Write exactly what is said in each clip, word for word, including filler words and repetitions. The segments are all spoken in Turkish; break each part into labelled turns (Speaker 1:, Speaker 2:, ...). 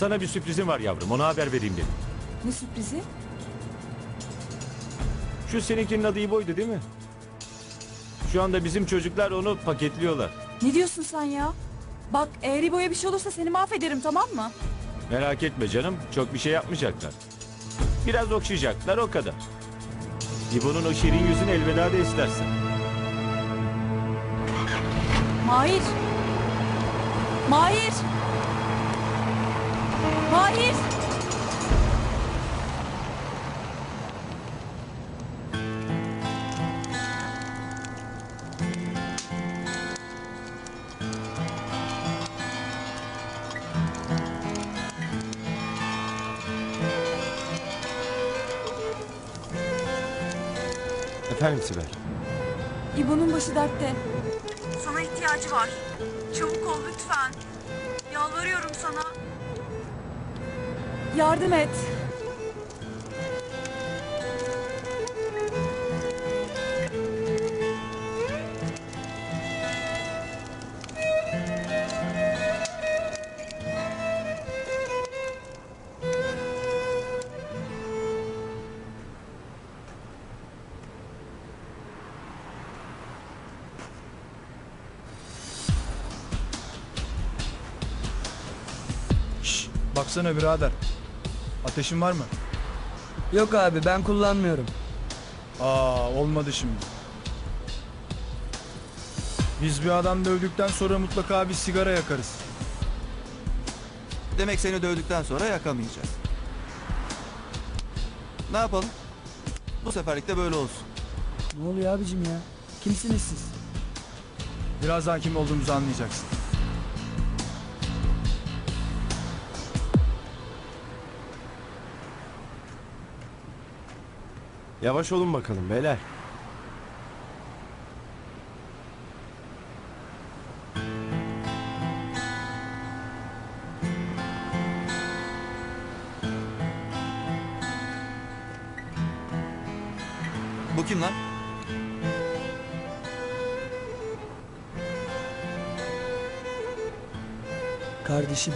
Speaker 1: Sana bir sürprizim var yavrum. Ona haber vereyim dedim.
Speaker 2: Ne sürprizi?
Speaker 1: Şu seninkinin adı İbo'ydu değil mi? Şu anda bizim çocuklar onu paketliyorlar.
Speaker 2: Ne diyorsun sen ya? Bak eğer İbo'ya bir şey olursa seni mahvederim, tamam mı?
Speaker 1: Merak etme canım. Çok bir şey yapmayacaklar. Biraz okşayacaklar, o kadar. İbo'nun o şirin yüzünü elveda de istersen.
Speaker 2: Mahir! Mahir! Mahir!
Speaker 3: Efendim Sibel.
Speaker 2: İbo'nun başı dertte.
Speaker 4: Sana ihtiyacı var. Çabuk ol lütfen. Yalvarıyorum sana.
Speaker 2: Yardım et.
Speaker 5: Şşş, baksana birader. Ateşin var mı?
Speaker 6: Yok abi, ben kullanmıyorum.
Speaker 5: Aa, olmadı şimdi. Biz bir adam dövdükten sonra mutlaka bir sigara yakarız.
Speaker 7: Demek seni dövdükten sonra yakamayacağız. Ne yapalım? Bu seferlik de böyle olsun.
Speaker 6: Ne oluyor abicim ya? Kimsiniz siz?
Speaker 5: Birazdan kim olduğumuzu anlayacaksın.
Speaker 3: Yavaş olun bakalım beyler.
Speaker 7: Bu kim lan?
Speaker 6: Kardeşim.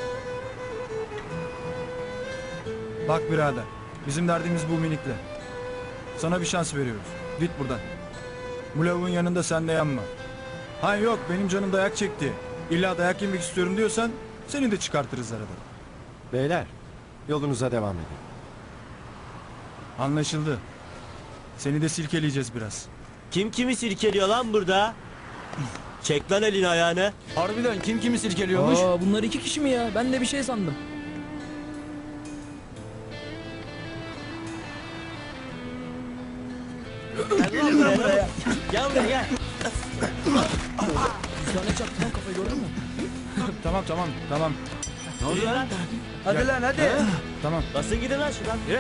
Speaker 5: Bak birader, bizim derdimiz bu minikle. Sana bir şans veriyoruz. Git buradan. Bu lavuğun yanında sen de yanma. Ha yok, benim canım dayak çekti. İlla dayak yemek istiyorum diyorsan seni de çıkartırız aradan.
Speaker 3: Beyler yolunuza devam edin.
Speaker 5: Anlaşıldı. Seni de silkeleyeceğiz biraz.
Speaker 8: Kim kimi sirkeliyor lan burada? Çek lan elini ayağını.
Speaker 6: Harbiden kim kimi silkeliyormuş? Aa, bunlar iki kişi mi ya? Ben de bir şey sandım.
Speaker 8: Gel lan buraya. Gel buraya gel.
Speaker 6: Bir tane çaktı lan, kafayı gördün mü?
Speaker 5: Tamam tamam tamam.
Speaker 8: Ne oluyor lan?
Speaker 6: Hadi lan hadi.
Speaker 5: Tamam.
Speaker 8: Basın gidin lan şuradan. Yürü.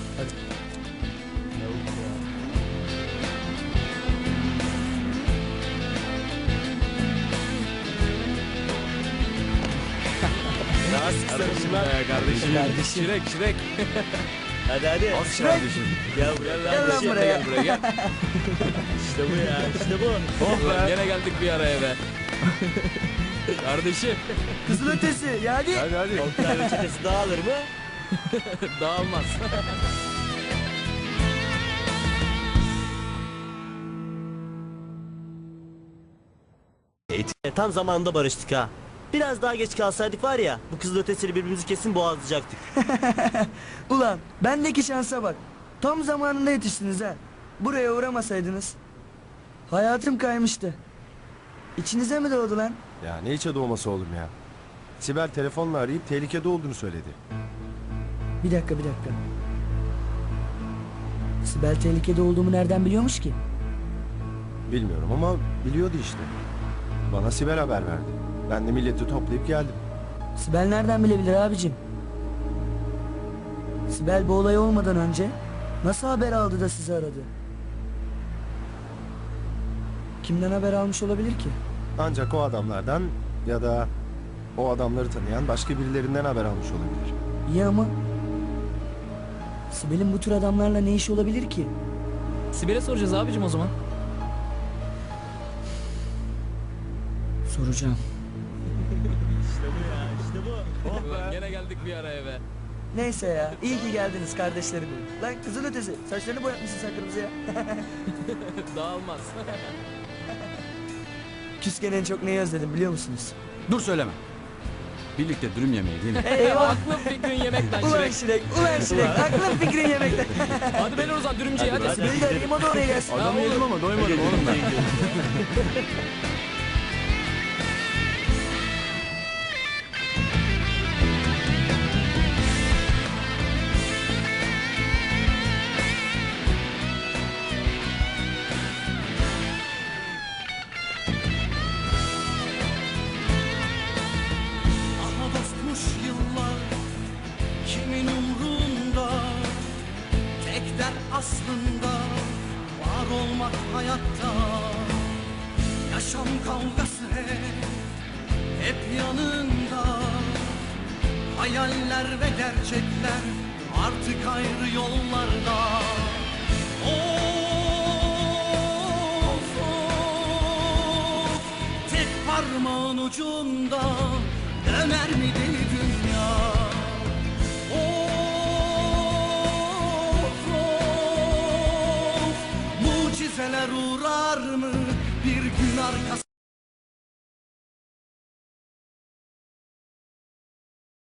Speaker 8: Nasıl sarışın lan?
Speaker 5: Kardeşim.
Speaker 6: Kardeşim.
Speaker 5: Şirek şirek.
Speaker 8: Hadi hadi.
Speaker 5: Kardeşim.
Speaker 8: Gel buraya lan.
Speaker 6: Gel lan
Speaker 8: Gel
Speaker 6: buraya.
Speaker 8: buraya gel. İşte bu ya, işte bu.
Speaker 5: Oh be.
Speaker 6: Gene geldik bir araya be. Kardeşim. Kızıl ötesi ya hadi.
Speaker 5: Hadi hadi.
Speaker 8: Oktay ve çetesi dağılır mı?
Speaker 6: Dağılmaz.
Speaker 8: E, tam zamanında barıştık ha. Biraz daha geç kalsaydık var ya, bu kızıl ötesiyle birbirimizi kesin boğazlayacaktık.
Speaker 6: Ulan bendeki şansa bak. Tam zamanında yetiştiniz ha. Buraya uğramasaydınız. Hayatım kaymıştı. İçinize mi doğdu lan?
Speaker 3: Ya ne içe doğması oğlum ya. Sibel telefonla arayıp tehlikede olduğunu söyledi.
Speaker 6: Bir dakika bir dakika. Sibel tehlikede olduğumu nereden biliyormuş ki?
Speaker 3: Bilmiyorum ama biliyordu işte. Bana Sibel haber verdi. Ben de milleti toplayıp geldim.
Speaker 6: Sibel nereden bilebilir abicim? Sibel bu olay olmadan önce nasıl haber aldı da sizi aradı? Kimden haber almış olabilir ki?
Speaker 3: Ancak o adamlardan ya da o adamları tanıyan başka birilerinden haber almış olabilir.
Speaker 6: İyi ama Sibel'in bu tür adamlarla ne işi olabilir ki?
Speaker 9: Sibel'e soracağız abicim o zaman.
Speaker 6: Soracağım.
Speaker 8: İşte bu ya, işte bu.
Speaker 5: Oh be.
Speaker 9: Gene geldik. giderdik bir ara eve.
Speaker 6: Neyse ya, iyi ki geldiniz kardeşlerim. Lan kızıl ötesi, saçlarını boyatmışsın sen kırmızıya.
Speaker 9: Dağılmaz.
Speaker 6: Küsken en çok neyi özledim biliyor musunuz?
Speaker 10: Dur söyleme. Birlikte dürüm yemeği değil mi?
Speaker 6: Eyvah!
Speaker 9: Aklım fikrin yemekten
Speaker 6: Ulan
Speaker 9: Şirek.
Speaker 6: Şirek, ulan Şirek, aklın fikrin yemekte.
Speaker 9: Hadi beni o zaman dürümcüye hadi.
Speaker 1: hadi.
Speaker 6: Beni de arayayım, o da oraya gelsin.
Speaker 10: Adam yedim ama doymadım oğlum ben.
Speaker 11: Aha dostmuş yıllar kimin umrunda, tek dert aslında var olmak hayatta. Yaşam kavgası hep, hep yanında, hayaller ve gerçekler artık ayrı yollarda. Of of, tek parmağın ucunda döner mi deli dünya? Of of, mucizeler uğrar mı bir gün arkası?